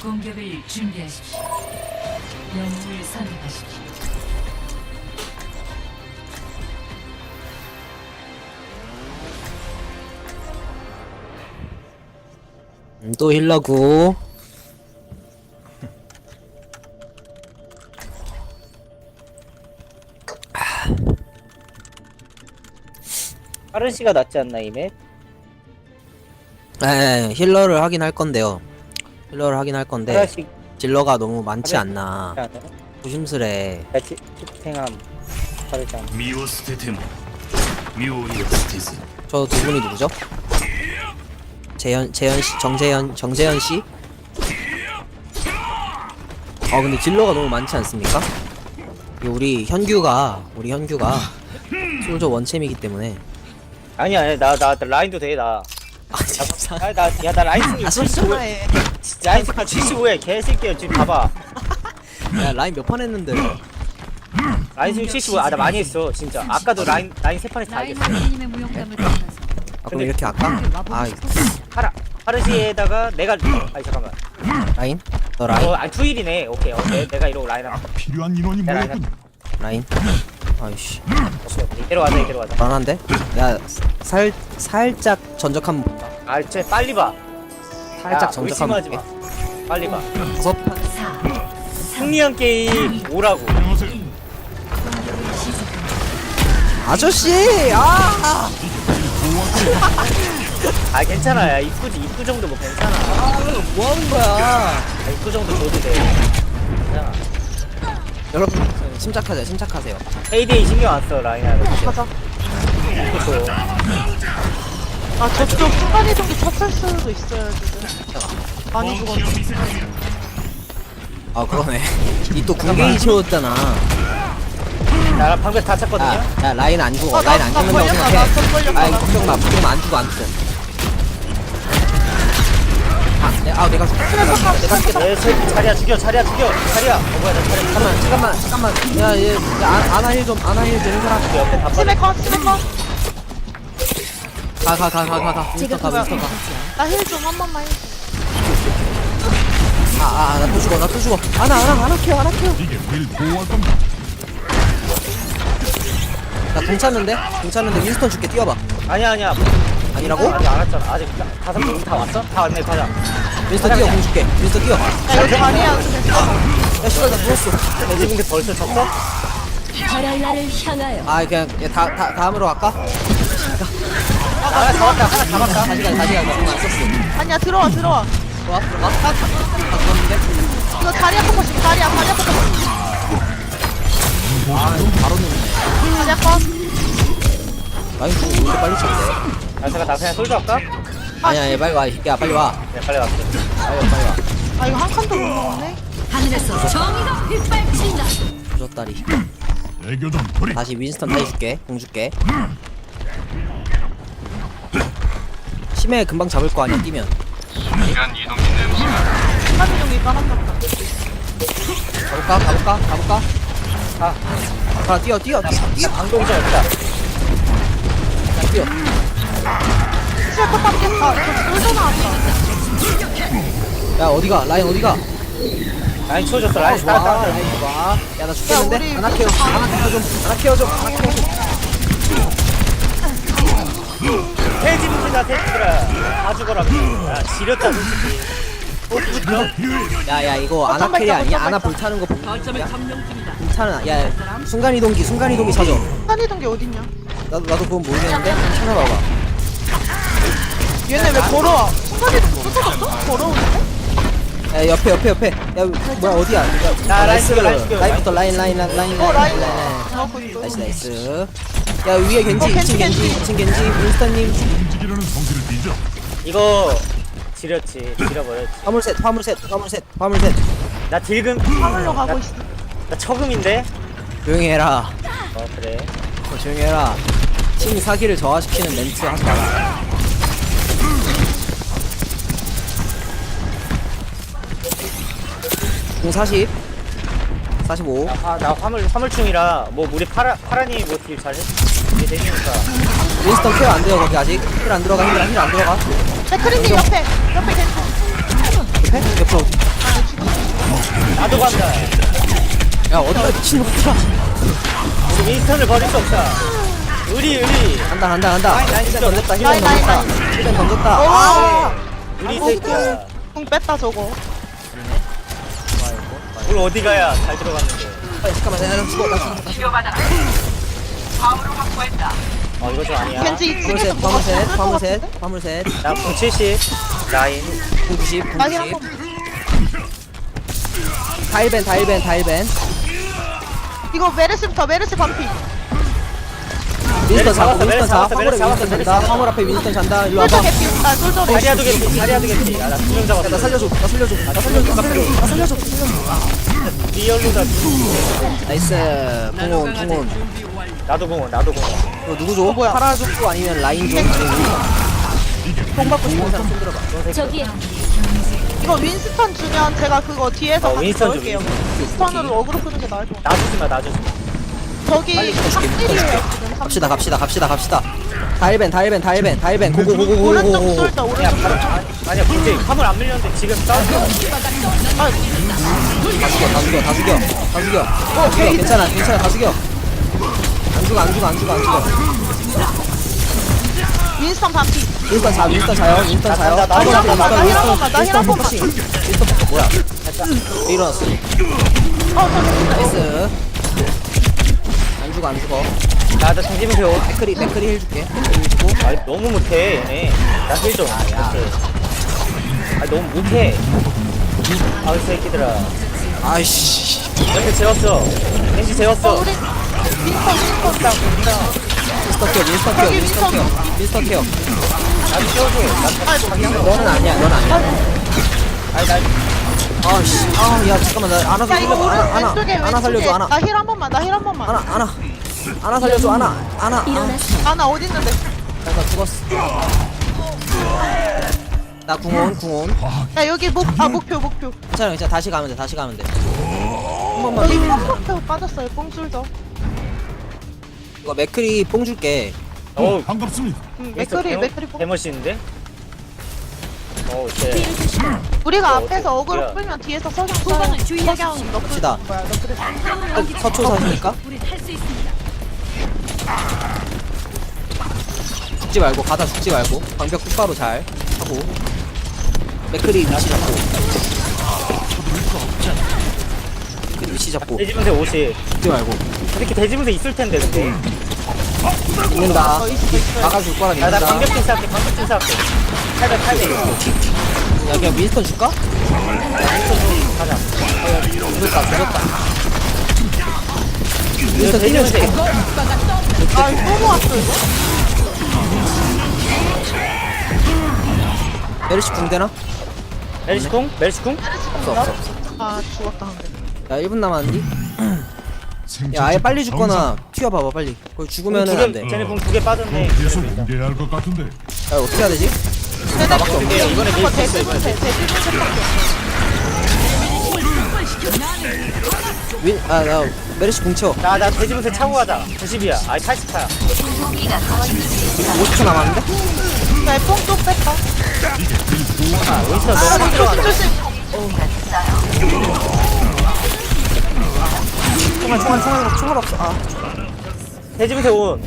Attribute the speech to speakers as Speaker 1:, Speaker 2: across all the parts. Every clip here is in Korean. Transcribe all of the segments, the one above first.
Speaker 1: 공격을 준비하십시오. 영웅을 선택하십시오.
Speaker 2: 또 힐러고.
Speaker 3: 빠른 씨가 낫지 않나 이 맵?
Speaker 2: 네, 힐러를 하긴 할 건데요. 힐러를 하긴 할 건데
Speaker 3: 하나씩
Speaker 2: 딜러가 너무 많지
Speaker 3: 그래.
Speaker 2: 않나.
Speaker 3: 하나
Speaker 2: 조심스레.
Speaker 3: tip탱함 빠르지 않나
Speaker 4: 身を捨てても妙には捨てず
Speaker 2: 저 두 분이 누구죠? 재현 씨, 정재현 씨? 근데 딜러가 너무 많지 않습니까? 우리 현규가 솔저 원챔이기 때문에.
Speaker 3: 아니야 나 라인도 돼나
Speaker 2: 진짜.
Speaker 3: 나 라인 승리 75회
Speaker 2: 해.
Speaker 3: 라인 승리 75회 개새끼야 지금 봐봐
Speaker 2: 야, 라인 몇 판 했는데.
Speaker 3: 라인 승리 75 나 많이 했어 진짜 아까도 라인 세 판에서 다 이겼어
Speaker 1: 라이너님의 무용담을 따라서
Speaker 2: 그럼 이렇게 할까?
Speaker 3: 파르시에다가 내가 아니 잠깐만
Speaker 2: 라인? 너 라인?
Speaker 3: 아니 투일이네 오케이 내가 이러고 라인 하고
Speaker 5: 필요한 인원이
Speaker 3: 내가 라인
Speaker 5: 모였군.
Speaker 2: 라인? 아이씨.
Speaker 3: 오케이 이대로 가자
Speaker 2: 불안한데? 야, 살짝 전적 한번 볼까?
Speaker 3: 아 진짜 빨리 봐
Speaker 2: 살짝 전적 한번
Speaker 3: 의심하지
Speaker 2: 볼게.
Speaker 3: 마 빨리 봐
Speaker 2: 5판.
Speaker 3: 승리한 게임 오라고
Speaker 5: 안녕하세요.
Speaker 2: 아저씨! 아!
Speaker 3: 아 괜찮아 야 입구 정도 뭐 괜찮아
Speaker 2: 뭐 하는 거야?
Speaker 3: 입구 정도 줘도 돼 괜찮아
Speaker 2: 여러분, 침착하세요.
Speaker 3: 헤이데이 신경 안 써 라인하고
Speaker 6: 가자. 아 저쪽 순간이동기 쳤을 수도 있어요 지금. 많이 죽었네.
Speaker 2: 아, 그러네. 이 또 궁게이 채웠잖아.
Speaker 3: 나랑 방금 다 찼거든요
Speaker 2: 야, 라인 안 죽어. 라인 안
Speaker 6: 나
Speaker 2: 죽는다고
Speaker 6: 걸렸다.
Speaker 2: 생각해.
Speaker 6: 나좀 걸렸다.
Speaker 2: 아이, 걱정 마. 안 죽어. 내가 죽겠다.
Speaker 3: 내 자리야 죽여 자리야 뭐야 나 자리야
Speaker 2: 잠깐만. 야, 아나 힐 좀 해라.
Speaker 3: 옆에 다 빠져
Speaker 6: 스네커.
Speaker 2: 가. 윈스턴 가.
Speaker 6: 나 힐 좀 한 번만 해줘.
Speaker 2: 나 또 죽어. 아나 케어.
Speaker 5: 이게 늘 보호할 겁니다.
Speaker 2: 나 괜찮은데 윈스턴 줄게. 뛰어봐.
Speaker 3: 아니야
Speaker 2: 아니라고?
Speaker 3: 아직 안 왔잖아 아직 다섯 명다 왔어? 다 왔네 가자
Speaker 2: 윈스턴 뛰어. 공 줄게. 윈스턴 뛰어.
Speaker 6: 야 여기 아니야 됐어.
Speaker 2: 야, 씨발, 나 누웠어.
Speaker 3: 내 집인데 벌써 쳤어?
Speaker 1: 바랄 나를 향하여
Speaker 2: 그냥 다음으로 갈까?
Speaker 3: 하나 잡았다
Speaker 2: 다시 가. 공안 썼어.
Speaker 6: 아니야 들어와.
Speaker 2: 들어가. 그런데?
Speaker 6: 이거 다리 아픈 거지. 다리 아픈 거.
Speaker 2: 바로 넣네.
Speaker 6: 다리 아파.
Speaker 2: 라인 왜 이렇게 빨리 쳤대?
Speaker 3: 나 그냥 솔져 할까?
Speaker 2: 아니야, 빨리 와. 이 새끼야, 빨리 와.
Speaker 3: 네 빨리 왔어
Speaker 2: 빨리 와.
Speaker 6: 아 이거 한 칸도 못 먹네.
Speaker 1: 하늘에서 정의가 빗발친다.
Speaker 2: 부졌다리.
Speaker 5: 애교 좀 부리.
Speaker 2: 다시 윈스턴 타이 줄게. 공 줄게. 심해 금방 잡을 거 아니야, 뛰면.
Speaker 6: 순간이동기 까놨다.
Speaker 2: 가볼까? 뛰어.
Speaker 3: 방동자 없다
Speaker 2: 그냥 뛰어.
Speaker 6: 스네커 ปั๊겠다. 저 쫄잖아 아까.
Speaker 2: 야, 어디가? 라인 어디가?
Speaker 3: 라인 치워줬어 라인 따라
Speaker 2: 라인 좋아. 야, 나 죽겠는데?
Speaker 6: 야, 우리
Speaker 2: 하나 케어 좀.
Speaker 3: 돼지들아 다 죽어라 야 지렸다 솔직히
Speaker 2: 야, 이거 아나 캐리 아니야? 아나 불타는 거 보면 불타는. 야, 순간이동기 찾아.
Speaker 6: 순간이동기 어딨냐?
Speaker 2: 나도 그건 모르겠는데 찾아봐봐.
Speaker 6: 얘네 왜 걸어와? 순간이동기 쫓아갔어? 걸어오는데?
Speaker 2: 야, 옆에. 야, 뭐야, 어디야?
Speaker 3: 야,
Speaker 2: 나이스.
Speaker 3: 라인 죽여.
Speaker 2: 라인부터 라인.
Speaker 6: 라인. 잡고 있어.
Speaker 2: 나이스. 야, 위에 겐지,
Speaker 6: 겐지,
Speaker 2: 2층 겐지, 윈스턴님.
Speaker 5: 움직이려는 성질을 빚어.
Speaker 3: 이거 지려버렸지
Speaker 2: 화물셋.
Speaker 3: 나 딜금
Speaker 6: 하늘로 가고 있어.
Speaker 3: 나 처금인데
Speaker 2: 조용히 해라.
Speaker 3: 그래
Speaker 2: 조용히 해라. 팀 사기를 저하시키는 멘트 하지 마라. 공 40. 45.
Speaker 3: 나 화물충이라 뭐 우리 파라니 뭐 딜 잘해 이게 되니까
Speaker 2: 윈스턴 케어 안 돼요, 거기 아직. 힐 안 들어가.
Speaker 6: 백크림님 옆에 겐지.
Speaker 2: 옆에? 옆으로.
Speaker 3: 나도 간다.
Speaker 2: 야 어디가 미친놈들아.
Speaker 3: 우리 윈스턴을 버릴 수 없다. 우리
Speaker 2: 간다. 힐벤 던졌다. 힐벤
Speaker 6: 라인,
Speaker 2: 던졌다.
Speaker 6: 라인.
Speaker 2: 힐벤 던졌다.
Speaker 6: 오!
Speaker 3: 우리 새끼야.
Speaker 6: 궁 뺐다 저거.
Speaker 3: 우리 어디 가야 잘 들어갔는데.
Speaker 2: 잠깐만 내가 죽어. 나 죽어.
Speaker 3: 이거 좀 아니야.
Speaker 6: 겐지 2층에서
Speaker 2: 화물셋.
Speaker 3: 나궁 70. 라인.
Speaker 2: 90.
Speaker 6: 라인 한 번.
Speaker 2: 다일벤.
Speaker 6: 이거 메르시부터 메르시 반피.
Speaker 2: 윈스턴
Speaker 3: 잡았어,
Speaker 2: 잡고 윈스턴 잡아.
Speaker 3: 메르시
Speaker 2: 화물에
Speaker 3: 잡았어,
Speaker 2: 윈스턴
Speaker 3: 메르시
Speaker 2: 잔다.
Speaker 3: 잡았어.
Speaker 2: 화물 앞에 윈스턴 잔다. 일로
Speaker 6: 솔저
Speaker 2: 와봐.
Speaker 6: 개피. 솔저
Speaker 3: 자리야도 겠지. 자리야도 겠지. 나 2명 잡았어.
Speaker 2: 나 살려줘.
Speaker 3: 리얼로다.
Speaker 2: 나이스. 궁온.
Speaker 3: 나도 공원.
Speaker 2: 이거 누구 줘?
Speaker 6: 뭐야?
Speaker 2: 파라 줘? 아니면 라인 줘? 뽕 받고 싶은 사람 손 들어봐.
Speaker 1: 저기에
Speaker 6: 이거 윈스턴 주면 제가 그거 뒤에서 같이
Speaker 3: 윈스턴
Speaker 6: 넣을게요. 윈스턴으로 어그로 끄는 게 나을 것 같아.
Speaker 3: 놔주지 마.
Speaker 6: 저기 탑딜이에요 지금.
Speaker 2: 갑시다. 다일벤.
Speaker 6: 오른쪽
Speaker 2: 고고.
Speaker 6: 솔저
Speaker 3: 야,
Speaker 6: 오른쪽 솔저.
Speaker 3: 아니야, 근데 화물 안 밀렸는데 지금 싸웠어.
Speaker 2: 다 죽여. 괜찮아. 다 죽여. 안 죽어.
Speaker 6: 윈스턴 반피.
Speaker 2: 윈스턴 자요.
Speaker 3: 나 힐 한 번만,
Speaker 6: 나
Speaker 2: 윈스턴 뭐야? 일어났어. 나이스. 안 죽어.
Speaker 3: 나 뒤집으면 돼.
Speaker 2: 댓글이 해줄게. 힐 주고.
Speaker 3: 아니, 너무 못해, 얘네. 나 힐 좀. 너무 못해. 이 새끼들아.
Speaker 2: 아이씨.
Speaker 3: 겐지 재웠어.
Speaker 6: 우리
Speaker 2: 윈스턴 케어.
Speaker 3: 나도 키워줘.
Speaker 2: 너는 아니야.
Speaker 3: 아니, 나
Speaker 2: 아씨. 야 잠깐만 나 안아
Speaker 6: 야 이거
Speaker 2: 살려줘.
Speaker 6: 왼쪽에
Speaker 2: 안아 살려줘. 안아.
Speaker 6: 나 힐 한 번만.
Speaker 2: 안아 살려줘. 안아.
Speaker 1: 일어나서
Speaker 6: 아나 어디 있는데?
Speaker 2: 나 죽었어. 나 궁온.
Speaker 6: 야 여기 목표.
Speaker 2: 괜찮아. 다시 가면 돼. 한 번만.
Speaker 6: 여기 목표 빠졌어요. 뽕술저.
Speaker 2: 이거 맥크리 뽕 줄게.
Speaker 3: 어우,
Speaker 5: 반갑습니다.
Speaker 6: 맥크리 뽕.
Speaker 3: 개멋있는데? 쟤.
Speaker 6: 우리가 앞에서
Speaker 3: 야.
Speaker 6: 어그로 끌면 뒤에서 석양
Speaker 1: 후방을 주의하십시오.
Speaker 6: 석양 너프
Speaker 2: 갑시다.
Speaker 6: 거야. 너프를.
Speaker 2: 서초사니까
Speaker 1: 우리 할 수 있습니다.
Speaker 2: 죽지 말고 방벽 똑바로 잘 하고 맥크리 위치 잡고
Speaker 3: 돼지분세 50.
Speaker 2: 죽지 말고
Speaker 3: 이렇게 돼지분세 있을 텐데, 근데.
Speaker 2: 있는다.
Speaker 6: 있어.
Speaker 2: 막아줄 거라
Speaker 3: 나
Speaker 2: 믿는다.
Speaker 3: 방격진 쌓을게. 800.
Speaker 2: 야 그냥 윈스턴 줄까?
Speaker 3: 가자.
Speaker 2: 죽었다. 윈스턴 때려줄게.
Speaker 6: 또 모았어 이거?
Speaker 2: 메르시 궁 되나?
Speaker 3: 멜시쿵?
Speaker 2: 없어.
Speaker 6: 아 죽었다 근데.
Speaker 2: 야 1분 남았는데? 야 아예 빨리 죽거나 튀어봐봐 빨리. 거기 죽으면은 안돼.
Speaker 3: 쟤네 궁 2개 빠졌네.
Speaker 5: 계속 옮겨야 할 것 같은데.
Speaker 2: 야 어떻게 해야 되지?
Speaker 6: 나밖에
Speaker 3: 없네. 이번에 밀수 있어,
Speaker 6: 대피분세
Speaker 2: 나 메르시 궁 채워.
Speaker 3: 나 돼지분세 차고 가자. 90이야. 아니, 80차야.
Speaker 2: 50초 남았는데?
Speaker 6: 뽕쪽 뺐다.
Speaker 3: 윈스턴 너무 들어간다.
Speaker 6: 조심.
Speaker 2: 총알 없어.
Speaker 3: 돼지분세 온.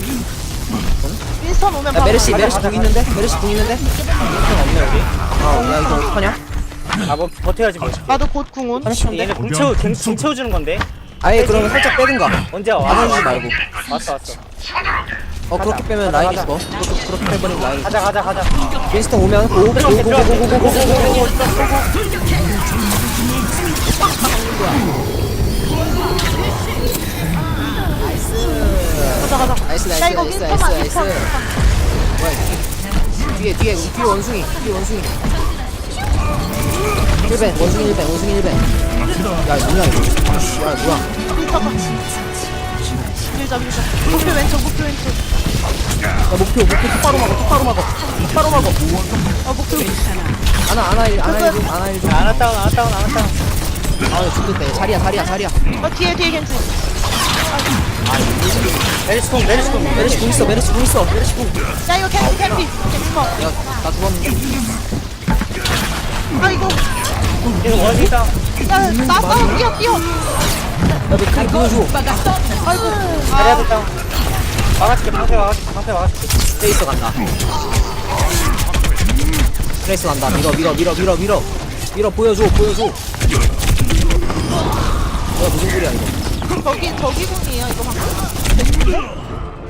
Speaker 6: 윈스턴 오면
Speaker 2: 야
Speaker 6: 바로
Speaker 2: 메르시
Speaker 6: 가자.
Speaker 2: 궁 있는데?
Speaker 3: 없네, 여기.
Speaker 2: 야 이거 어떡하냐?
Speaker 3: 뭐, 버텨야지, 뭐.
Speaker 6: 나도 곧 궁온.
Speaker 3: 얘네 궁 채워주는 건데.
Speaker 2: 아예 그러면 살짝 빼든가.
Speaker 3: 언제 와?
Speaker 2: 나눠주지 말고.
Speaker 3: 왔어.
Speaker 2: 그렇게 빼면 라인 있어. 그렇게 빼버리면 라인 있어.
Speaker 3: 가자.
Speaker 2: 윈스턴 오면 고고고고고고고고고.
Speaker 6: 가자.
Speaker 2: 나이스
Speaker 6: 야 이거 윈스턴만 윈스턴.
Speaker 2: 뒤에 원숭이. 원숭이 1벤. 야 뭐야 이거. 야 뭐야.
Speaker 6: 밀자. 목표 왼쪽.
Speaker 2: 야 목표 똑바로 막어.
Speaker 6: 목표.
Speaker 2: 안아 1좀.
Speaker 3: 안 왔다운.
Speaker 2: 아 죽겠다. 자리야.
Speaker 6: 뒤에 겐지.
Speaker 3: 메리스쿵.
Speaker 2: 메르시 궁 있어.
Speaker 6: 야 이거 캔디 컷.
Speaker 2: 야나 죽었는데.
Speaker 6: 아 이거
Speaker 3: 계속 원숭이 싸움.
Speaker 6: 나 뛰어.
Speaker 2: 야 맥크리 보여줘.
Speaker 6: 아이고.
Speaker 3: 자리야 됐다. 막아줄게. 방패 막아줄게.
Speaker 2: 트레이서 간다. 트레이서 간다. 밀어 보여줘. 뭐야 무슨 소리야 이거.
Speaker 6: 저기 공이에요 이거 방금.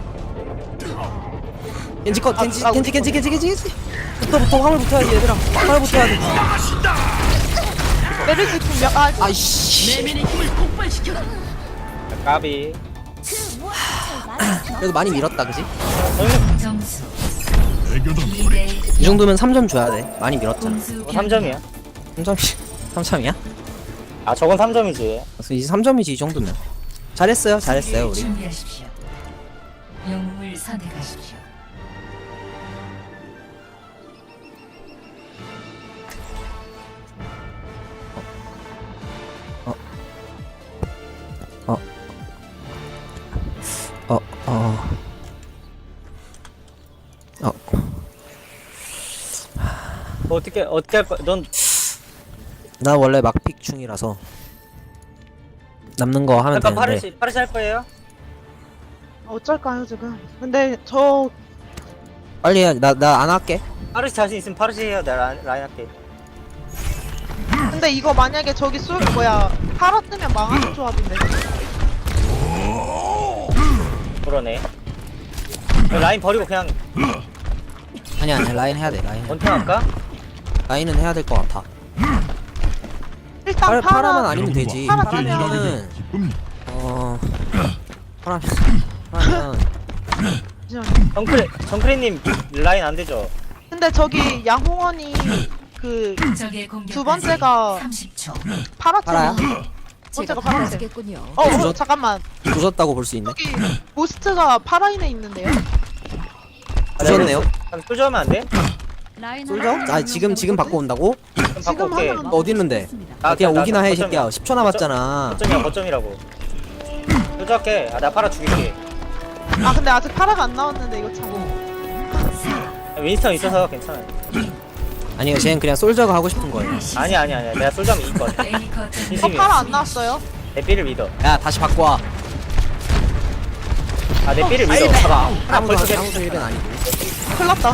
Speaker 2: 겐지 컷 겐지. 붙어 화물 붙어야지 얘들아. 화물 붙어야 돼.
Speaker 6: 메르시 분명
Speaker 2: 아이씨.
Speaker 3: 까비.
Speaker 2: 그래도 많이 밀었다 그지?
Speaker 1: 점수
Speaker 5: 애교던 소리.
Speaker 2: 2 정도면 3점 줘야 돼. 많이 밀었잖아.
Speaker 1: 공수
Speaker 3: 3점이야.
Speaker 2: 3점이야?
Speaker 3: 아 저건 3점이지.
Speaker 2: 그래서 이제 3점이지 이 정도면. 잘했어요 우리.
Speaker 1: 준비하십시오. 영웅을 선택하십시오.
Speaker 3: 어떻게 할 거야? 넌
Speaker 2: 나 원래 막픽 중이라서 남는 거 하면
Speaker 3: 약간
Speaker 2: 되는데.
Speaker 3: 파르시 할 거예요?
Speaker 6: 어쩔까요 지금. 근데 저
Speaker 2: 빨리 해. 나 안 할게.
Speaker 3: 파르시 자신 있으면 파르시 해요. 내가 라인 할게.
Speaker 6: 근데 이거 만약에 저기 팔아 뜨면 망하는 조합인데.
Speaker 3: 그러네. 라인 버리고 그냥
Speaker 2: 아니야 라인 해야 돼.
Speaker 3: 원탱 할까?
Speaker 2: 라인은 해야 될 것 같아.
Speaker 6: 일단
Speaker 2: 파라만 아니면 되지.
Speaker 6: 파라
Speaker 5: 함께 일하게
Speaker 6: 파라면
Speaker 5: 되어 기쁩니다.
Speaker 2: 파라면
Speaker 3: 정크레님 라인 안 되죠?
Speaker 6: 근데 저기 양홍원이 그
Speaker 1: 적의 공격
Speaker 6: 두 번째가
Speaker 1: 30초.
Speaker 6: 파랗잖아.
Speaker 2: 파라야?
Speaker 6: 번째가 파란색.
Speaker 1: 겠군요.
Speaker 6: 잠깐만.
Speaker 2: 부졌다고 볼 수 있네.
Speaker 6: 저기 모스트가 파라인에 있는데요.
Speaker 2: 부졌네요.
Speaker 3: 그럼 쫄져하면 안 돼?
Speaker 2: 솔져? 아 지금 바꿔 온다고?
Speaker 3: 그럼 바꿔 올게.
Speaker 6: 하면
Speaker 2: 너 어디 있는데? 그냥 오기나 해 새끼야. 10초 남았잖아.
Speaker 3: 거점이라고. 쫄져할게. 나 팔아 죽일게.
Speaker 6: 아 근데 아직 파라가 안 나왔는데 이거 참.
Speaker 3: 윈스턴 있어서 괜찮아요.
Speaker 2: 아니요 쟤는 그냥 솔저가 하고 싶은 거예요.
Speaker 3: 아니야. 내가 쫄져하면 이길 거야.
Speaker 6: 파라 안 나왔어요?
Speaker 3: 내 삐를 믿어.
Speaker 2: 야 다시 바꿔 와.
Speaker 3: 내 삐를 믿어. 봐봐. 하나 벌써
Speaker 2: 아무도 1벤 아니고.
Speaker 6: 큰일 났다.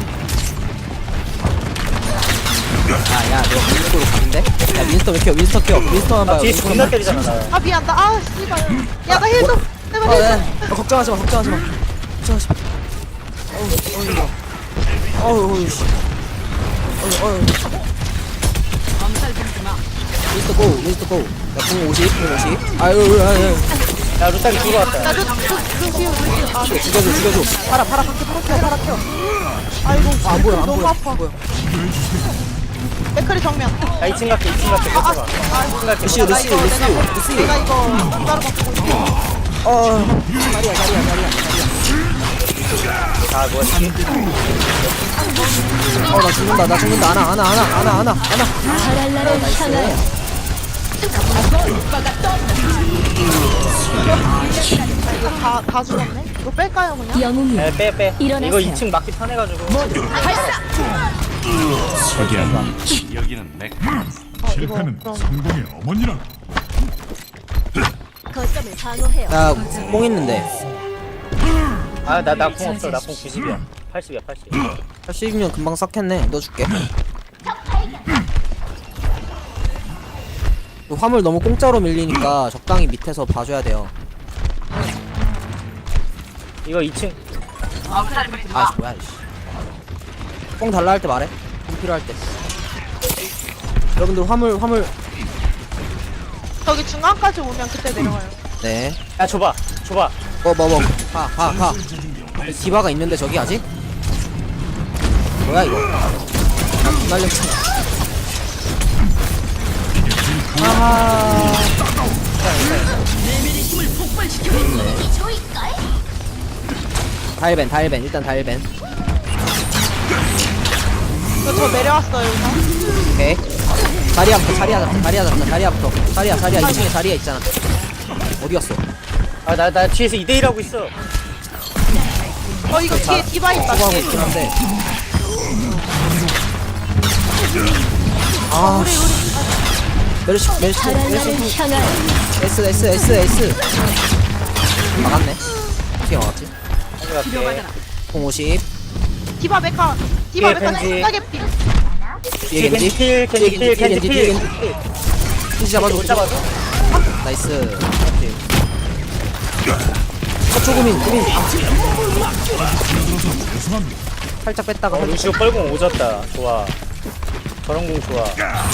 Speaker 2: 야야 너 윈스턴으로 각인데? 야 윈스턴 왜 켜? 윈스턴만 봐요.
Speaker 3: 뒤에
Speaker 2: 윈스턴만
Speaker 3: 존나
Speaker 2: 봐요.
Speaker 3: 때리잖아 나.
Speaker 6: 아 미안 아 씨발. 야 나 힐 좀. 제발 힐 좀.
Speaker 2: 걱정하지 마. 어우 씨. 윈스턴 고. 야공 50. 아유.
Speaker 3: 야 루딱이 죽어 왔다.
Speaker 6: 아
Speaker 2: 죽여줘. 파라 켜.
Speaker 6: 아이고
Speaker 2: 안 보여.
Speaker 6: 너무 아파. 맥크리 정면.
Speaker 3: 야 2층 갈게. 뺏어봐.
Speaker 2: 루시오.
Speaker 6: 내가 이거 따로 바꾸고 있어.
Speaker 2: 자리야.
Speaker 3: 아 뭐야 이게?
Speaker 2: 나 죽는다. 안아.
Speaker 6: 이거 다 죽었네. 이거 뺄까요 그냥?
Speaker 1: 영웅이
Speaker 3: 빼. 이거
Speaker 1: 일어나세요.
Speaker 3: 2층 막기 편해가지고.
Speaker 4: 여기는 맥.
Speaker 5: 실패는
Speaker 6: 그럼.
Speaker 5: 성공의 어머니라.
Speaker 1: 거점을 방어해요.
Speaker 2: 나뽕 있는데.
Speaker 3: 나 공 없어. 나 공 90이야. 80이야.
Speaker 2: 80이면 금방 썩겠네. 너 줄게. 화물 너무 공짜로 밀리니까 적당히 밑에서 봐줘야 돼요.
Speaker 3: 이거 2층.
Speaker 2: 아 뭐야 이씨. 뽕 달라 할 때 말해. 뽕 필요할 때. 여러분들 화물.
Speaker 6: 저기 중앙까지 오면 그때 내려와요.
Speaker 2: 네.
Speaker 3: 야 줘봐.
Speaker 2: 뭐. 가. 디바가 있는데 저기 아직? 뭐야 이거? 날렸잖아. 다일벤 일단 다일벤.
Speaker 6: 저 내려왔어요 이거.
Speaker 2: 오케이. 자리야부터. 자리야 2층에 자리야 있잖아. 어디였어?
Speaker 3: 나 뒤에서 2대1 하고 있어.
Speaker 6: 이거 뒤에 디바 있다.
Speaker 2: 수고하고
Speaker 6: 뒤에
Speaker 2: 있긴
Speaker 6: 디바.
Speaker 2: 한데.
Speaker 6: 우리
Speaker 2: 메르시
Speaker 1: 바랄라를 향하여
Speaker 2: S 막았네. 어떻게 막았지?
Speaker 3: 가져갈게.
Speaker 2: 50
Speaker 6: 디바 메카 디바
Speaker 3: 뒤에
Speaker 6: 메카
Speaker 3: 겐지.
Speaker 6: 신나게 피
Speaker 2: 뒤에 겐지
Speaker 3: 필, 겐지 필, 겐지 필.
Speaker 2: 겐지 잡아줘.
Speaker 3: 못 잡아줘.
Speaker 2: 나이스. 서초구민
Speaker 5: 죄송합니다.
Speaker 2: 살짝 뺐다가
Speaker 3: 루시오 뻘공 오졌다. 좋아. 저런 공 좋아.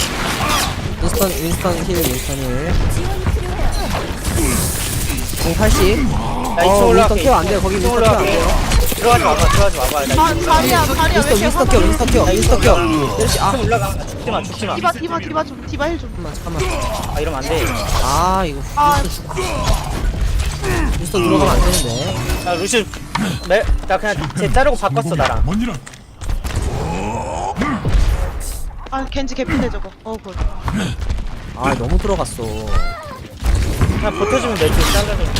Speaker 2: 윈스턴 힐. 공 80.
Speaker 3: 나 2층
Speaker 2: 윈스턴
Speaker 3: 올라갈게.
Speaker 2: 케어 안 돼요. 거기
Speaker 3: 2층
Speaker 2: 윈스턴 케어 안
Speaker 3: 올라갈게.
Speaker 2: 돼요.
Speaker 3: 들어가지 마봐. 나
Speaker 6: 아,
Speaker 3: 2층
Speaker 6: 자리야 왜 이렇게
Speaker 2: 윈스턴 케어. 메르시
Speaker 3: 올라가. 죽지 마.
Speaker 6: 디바 좀 디바 힐좀
Speaker 2: 잠깐만.
Speaker 3: 아, 이러면 안 돼.
Speaker 2: 이거
Speaker 6: 아
Speaker 2: 윈스턴 들어가면 안 되는데.
Speaker 3: 나 루시오 나 그냥 쟤 자르고 바꿨어 나랑.
Speaker 5: 어머니란
Speaker 6: 아 겐지 개피네 저거 굿
Speaker 2: 너무 들어갔어.
Speaker 3: 그냥 버텨주면 되지. 자르면.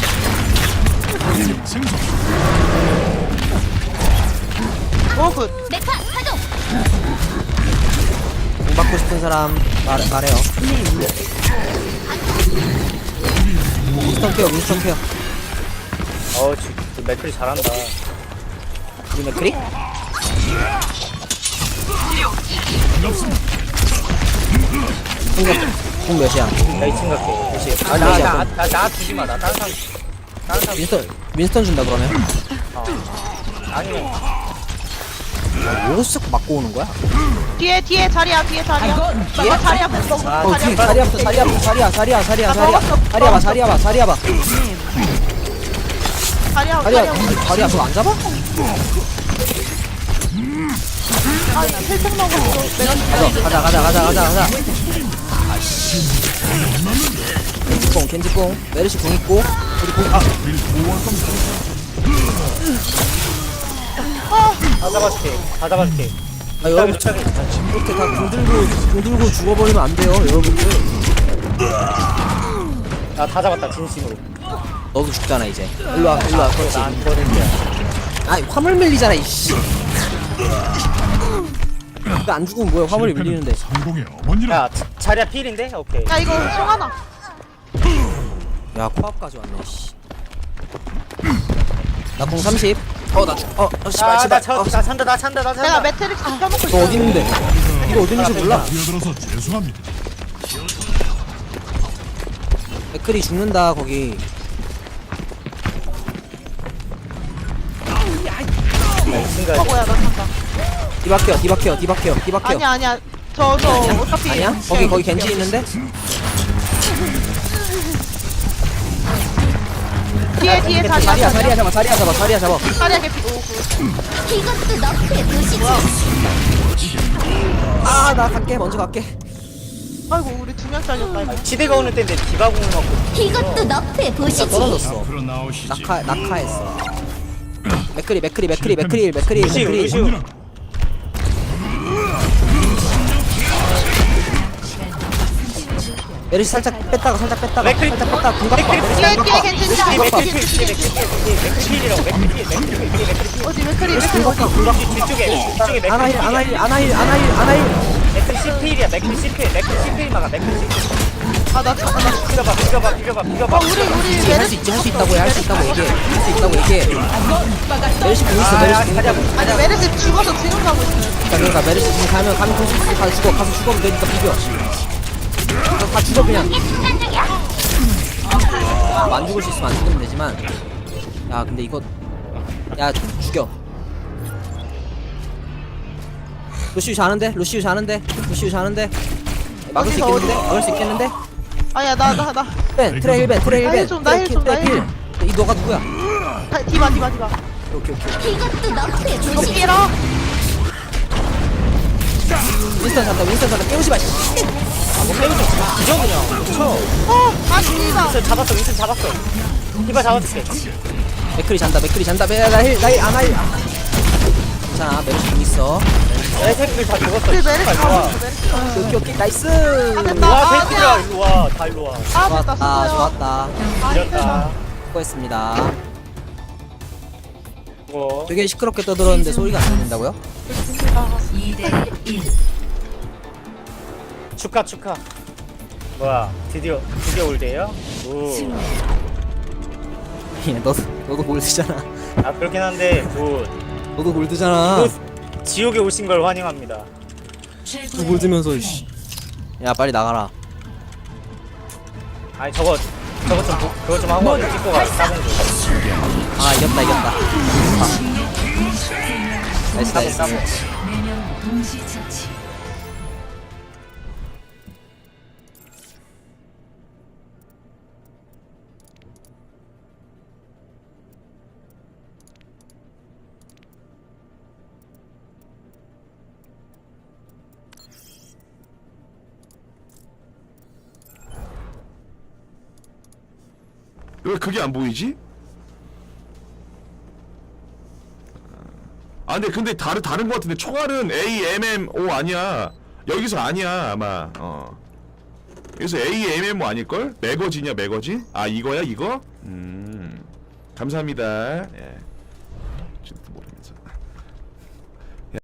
Speaker 5: 생선
Speaker 6: 굿
Speaker 2: 공 받고 싶은 사람 말해요. 윈스턴 케어.
Speaker 3: 그 맥클이 잘한다.
Speaker 2: 우리 맥크리? 공 몇이야?
Speaker 3: 나 2층 갈게. 그치? 나 주지 마. 나 다른 사람.
Speaker 2: 윈스턴 준다 그러면?
Speaker 3: 아니면
Speaker 2: 오싹 맞고 오는 거야?
Speaker 6: 뒤에 자리야
Speaker 2: 뒤에?
Speaker 6: 나 자리 앞에 서
Speaker 2: 뒤에
Speaker 6: 자리 앞에
Speaker 2: 자리야 자리야 저거 안 잡아?
Speaker 6: 아 힐팩 먹었어
Speaker 2: 가자 겐지뽕 메르시 공 있고 우리 공
Speaker 3: 다 잡아줄게.
Speaker 2: 여러분 이렇게 다 공 들고 죽어버리면 안 돼요 여러분들.
Speaker 3: 나 다 잡았다 진심으로.
Speaker 2: 너도 죽잖아 이제. 일로와 그렇지.
Speaker 3: 난 거든요.
Speaker 2: 화물 밀리잖아 이씨. 이거 안 죽으면 뭐야 화물이 밀리는데.
Speaker 5: 성공의 어머니란
Speaker 3: 야 자리야 필인데? 오케이.
Speaker 6: 야 이거 송하나
Speaker 2: 야 코앞까지 왔네 씨. 나 공 30. 씨발
Speaker 3: 나 찬다.
Speaker 6: 내가 매트릭스 펴먹고
Speaker 2: 너
Speaker 6: 있어
Speaker 2: 어디 있는데? 이거 어디 있는지 몰라.
Speaker 5: 뛰어들어서 죄송합니다.
Speaker 2: 맥클이 죽는다 거기.
Speaker 6: 뭐야 나 간다
Speaker 2: 디바케어.
Speaker 6: 아니야 저 어차피
Speaker 2: 아니야? 거기 겐지 있는데?
Speaker 6: 뒤에 자리야
Speaker 2: 자리야 잡아.
Speaker 6: 자리야 개피
Speaker 1: 이것도 너의 도시지.
Speaker 2: 나 갈게. 먼저 갈게.
Speaker 6: 아이고 우리 2명 잘렸다 이거
Speaker 3: 지대가 오는 때인데 디바공을 맞고.
Speaker 1: 이것도 너의 도시지.
Speaker 2: 떨어졌어.
Speaker 4: 앞으로 나오시지.
Speaker 2: 낙하했어. 맥크리.
Speaker 3: 루시오.
Speaker 5: 어머니란
Speaker 2: 메르시 살짝 뺐다가
Speaker 3: 맥크리.
Speaker 2: 공 갖고 와.
Speaker 6: 뒤에 겐지
Speaker 3: 맥클필이라고. 맥클필.
Speaker 6: 어디 맥크리
Speaker 3: 뒤쪽에
Speaker 2: 아나힐.
Speaker 3: 맥클 CP일이야. 맥클 CP일 막아. 맥클 CP일.
Speaker 6: 아나
Speaker 3: 비벼봐.
Speaker 6: 우리
Speaker 2: 할 수 있지. 할 수 있다고 얘기해. 메르시 공 있어.
Speaker 6: 아니 메르시 죽어서 지금 가고 있어요
Speaker 2: 그러니까 메르시 지금 가면 공수 가서 죽어도 되니까 비벼. 다 죽어 그냥. 안 죽을 수 있으면 안 죽으면 되지만. 야 근데 이거 죽여. 루시우 자는데. 막을 수 있겠는데?
Speaker 6: 아니야 나
Speaker 2: 트레 힐벤.
Speaker 6: 좀, 나 힐 좀.
Speaker 2: 이 너가 누구야?
Speaker 6: 디바
Speaker 2: 오케이.
Speaker 1: 이것도 너의 도시지.
Speaker 6: 높이라
Speaker 2: 윈스턴 잔다. 깨우지 마.
Speaker 6: 아씨다
Speaker 3: 윈슨 잡았어. 디바 잡아줄게.
Speaker 2: 맥크리 잔다. 나힐 안 하일. 괜찮아. 메르시 공 있어.
Speaker 3: 내 새끼들 다 죽었어.
Speaker 6: 우리 메르시
Speaker 3: 좋아.
Speaker 6: 가고 있어 메르시
Speaker 2: 오케이. 나이스.
Speaker 6: 됐다.
Speaker 3: 와 새끼들아 일로와. 다 일로와.
Speaker 6: 됐다 수고요
Speaker 2: 좋았다.
Speaker 3: 이겼다.
Speaker 2: 수고했습니다.
Speaker 3: 이거.
Speaker 2: 되게 시끄럽게 떠들었는데 소리가 안 들린다고요?
Speaker 1: 2대 1.
Speaker 3: 축하. 뭐야 드디어 올드예요? 오.
Speaker 2: 예, 너도 골드잖아.
Speaker 3: 아 그렇긴 한데
Speaker 2: 너도 골드잖아.
Speaker 3: 지옥에 오신 걸 환영합니다.
Speaker 2: 또 골드면서 씨. 야 빨리 나가라.
Speaker 3: 아니 저거 좀 그거 좀 하고 찍고 가. 따봉 좀.
Speaker 2: 아 이겼다. 나이스
Speaker 3: 따봉
Speaker 2: 나이스.
Speaker 3: 따봉.
Speaker 7: 왜 그게 안 보이지? 아 근데 다른 거 같은데 총알은 AMMO 아니야. 여기서 아니야 아마. 여기서 AMMO 아닐걸? 매거진이야 매거진? 아 이거야 이거? 감사합니다. 예. 지금도 모르면서.